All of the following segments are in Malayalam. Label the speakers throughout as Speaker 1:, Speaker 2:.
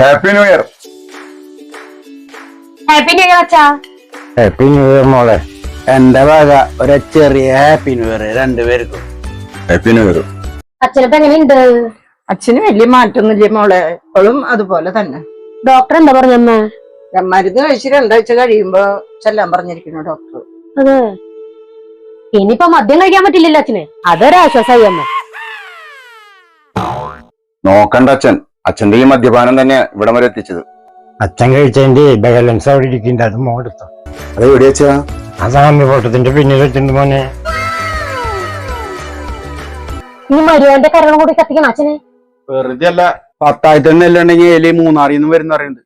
Speaker 1: Happy new year.
Speaker 2: Happy new year അച്ഛാ.
Speaker 3: ഹാപ്പി ന്യൂ ഇയർ മോളെ. എന്റെ വക ഒരു ചെറിയ ഹാപ്പി ന്യൂ ഇയർ രണ്ടുപേർക്കും.
Speaker 1: Happy new year.
Speaker 2: അച്ഛനിപ്പോ എങ്ങനെയുണ്ട്?
Speaker 4: അച്ഛന് വലിയ മാറ്റൊന്നുമില്ല മോളെ, ഇപ്പോഴും അതുപോലെ തന്നെ.
Speaker 2: ഡോക്ടർ എന്താ പറഞ്ഞമ്മ?
Speaker 4: മരുന്ന് കഴിച്ച് 2 ആഴ്ച കഴിയുമ്പോ ചെല്ലാൻ പറഞ്ഞിരിക്കുന്നു ഡോക്ടർ.
Speaker 2: അതെ, ഇനിയിപ്പോ മദ്യം കഴിക്കാൻ പറ്റില്ലല്ലോ അച്ഛന്, അതൊരാശ്വാസമായി അമ്മ.
Speaker 1: നോക്കണ്ട അച്ഛൻ, അച്ഛന്റെ ഈ മദ്യപാനം തന്നെ ഇവിടം വരെ എത്തിച്ചത്.
Speaker 3: അച്ഛൻ കഴിച്ചതിന്റെ ബാലൻസ് അവിടെ ഇരിക്കുന്നുണ്ട്, അത് മോടുത്തോ.
Speaker 1: അത് എവിടെ വെച്ചാ?
Speaker 3: ആ സാമി ഫോട്ടത്തിന്റെ പിന്നിൽ വെച്ചിട്ടുണ്ട് മോനെ.
Speaker 2: ഈ മരുവന്റെ കരളം കൂടി കത്തിക്കണം അച്ഛന്.
Speaker 1: വെറുതെ അല്ല, 10,000 നെല്ലുണ്ടെങ്കിൽ എലി മൂന്നാറിൽ നിന്ന് വരുന്ന അറിയുന്നത്.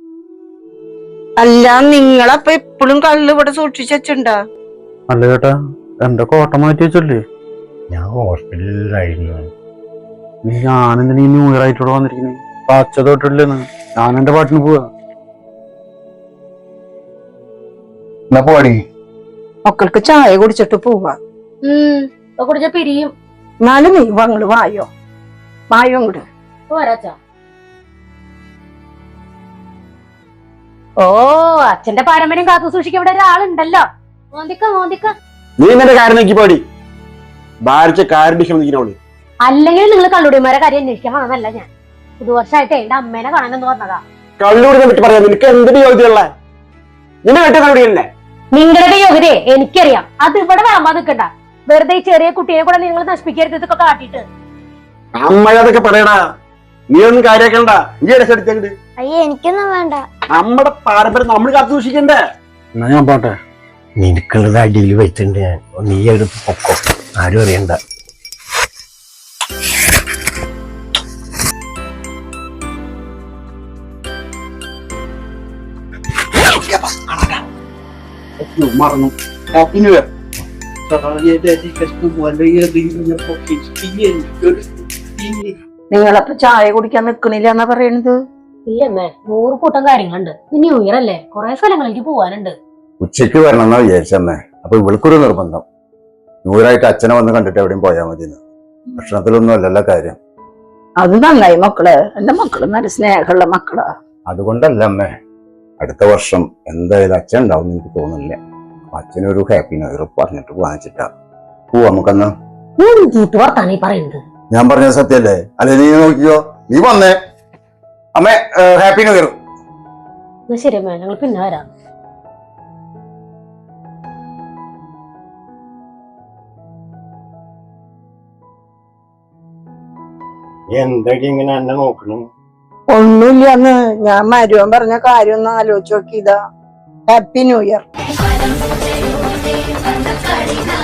Speaker 4: അല്ല, നിങ്ങളപ്പൊ എപ്പോഴും കള്ള് ഇവിടെ സൂക്ഷിച്ചു വെച്ചിണ്ടാ?
Speaker 1: അല്ല ചേട്ടാ, എന്റെ കോട്ട മാറ്റി വെച്ചല്ലേ.
Speaker 3: ഞാൻ ഹോസ്പിറ്റലിലായിരുന്നു.
Speaker 1: ഞാനെന്തിനാ ഈ ന്യൂ ഇയർ ആയിട്ടോടെ വന്നിരിക്കുന്നത്? പച്ച തൊട്ടില്ലെന്ന് ഞാൻ എന്റെ പാട്ടിന് പോവാ. എന്നാ പോടി.
Speaker 4: മക്കൾക്ക് ചായ കുടിച്ചിട്ട് പോവാ.
Speaker 2: കുടിച്ച പിരിയും.
Speaker 4: എന്നാലും നീ വങ്ങള് വായോ അങ്ങോട്ട്.
Speaker 2: പോരാച്ചാ. ഓ, അച്ഛന്റെ പാരമ്പര്യം കാത്തു സൂക്ഷിക്കാൻ ഇവിടെ ഒരാളുണ്ടല്ലോ. മോന്തിക്ക
Speaker 1: നീ എന്നെ കാര്യം നോക്കി പാടി ഭാരിച്ച കാര്യം.
Speaker 2: അല്ലെങ്കിൽ നിങ്ങൾ കള്ളുടിമാരെ കാര്യം അന്വേഷിക്കാൻ വന്നതല്ല ഞാൻ. പുതുവർഷമായിട്ട് എന്റെ അമ്മേനെ കാണാനെന്ന് പറഞ്ഞതാ.
Speaker 1: കള്ളുകൂടിനെ പറ്റി പറയാം. നിനക്ക് എന്തിനു യോഗ്യതയുള്ള? നിന്റെ വീട്ടിൽ കള്ളുടിയല്ലേ?
Speaker 2: നിങ്ങളുടെ യോഗ്യതയെ എനിക്കറിയാം. അത് ഇവിടെ വിളമ്പാൻ നിൽക്കണ്ട. വെറുതെ ഈ ചെറിയ കുട്ടിയെ കൂടെ നിങ്ങൾ നശിപ്പിക്കരുത്. ഇതൊക്കെ കാട്ടിട്ട്
Speaker 1: അമ്മയതൊക്കെ പറയടാ. നീ ഒന്നും കാര്യാക്കണ്ട. നീ എടുത്തെടുത്തങ്ങട്.
Speaker 2: അയ്യേ, എനിക്കൊന്നും വേണ്ട.
Speaker 1: നമ്മുടെ പാരമ്പര്യം നമ്മൾ കാത്തു സൂക്ഷിക്കണ്ടേ?
Speaker 3: എന്നാ ഞാൻ പോട്ടെ. നിനക്കുള്ളത് അടിയിൽ വെച്ചിട്ടുണ്ട് ഞാൻ. നീ എടുത്ത് പൊക്കോ, ആരും അറിയണ്ട.
Speaker 1: മറന്നു. Happy new year.
Speaker 4: നിങ്ങളപ്പൊ ചായ കുടിക്കാൻ നിക്കണില്ല എന്നാ പറയണത്?
Speaker 2: ഇല്ലമ്മേ, 100 കൂട്ടം കാര്യങ്ങളുണ്ട്. ന്യൂ ഇയർ അല്ലേ, കുറെ സ്ഥലങ്ങളിലേക്ക് പോവാനുണ്ട്.
Speaker 1: ഉച്ചക്ക് വരണം എന്നാ വിചാരിച്ചമ്മേ. അപ്പൊ ഇവൾക്കൊരു നിർബന്ധം, ന്യൂറായിട്ട് അച്ഛനെ വന്ന് കണ്ടിട്ട് എവിടെയും പോയാൽ മതി. ഭക്ഷണത്തിലൊന്നും അല്ലല്ലോ കാര്യം.
Speaker 4: അത് നന്നായി മക്കള്. എന്റെ മക്കള് നല്ല സ്നേഹമുള്ള മക്കളാ.
Speaker 1: അതുകൊണ്ടല്ല അമ്മേ, അടുത്ത വർഷം എന്തായാലും അച്ഛൻ ഉണ്ടാവും എനിക്ക് തോന്നുന്നില്ല. അച്ഛനൊരു ഹാപ്പി ന്യൂ ഇയർ പറഞ്ഞിട്ട് വാങ്ങിച്ചിട്ടാ പോവാ നമുക്കെന്നാ.
Speaker 2: വർത്താനീ പറയുന്നത്
Speaker 1: ഞാൻ പറഞ്ഞത് സത്യല്ലേ? അല്ലെ നീ നോക്കിയോ, നീ വന്നേ. അമ്മേ, ഹാപ്പി ന്യൂ ഇയർ.
Speaker 2: ശരി അമ്മേ, ഞങ്ങൾ പിന്നെ വരാം.
Speaker 3: എന്തൊക്കെ ഇങ്ങനെ എന്നെ നോക്കണം?
Speaker 4: ഒന്നുമില്ലെന്ന് ഞാൻ മരുവൻ പറഞ്ഞ കാര്യം ഒന്ന് ആലോചിച്ച് നോക്കിയതാ. Happy new year.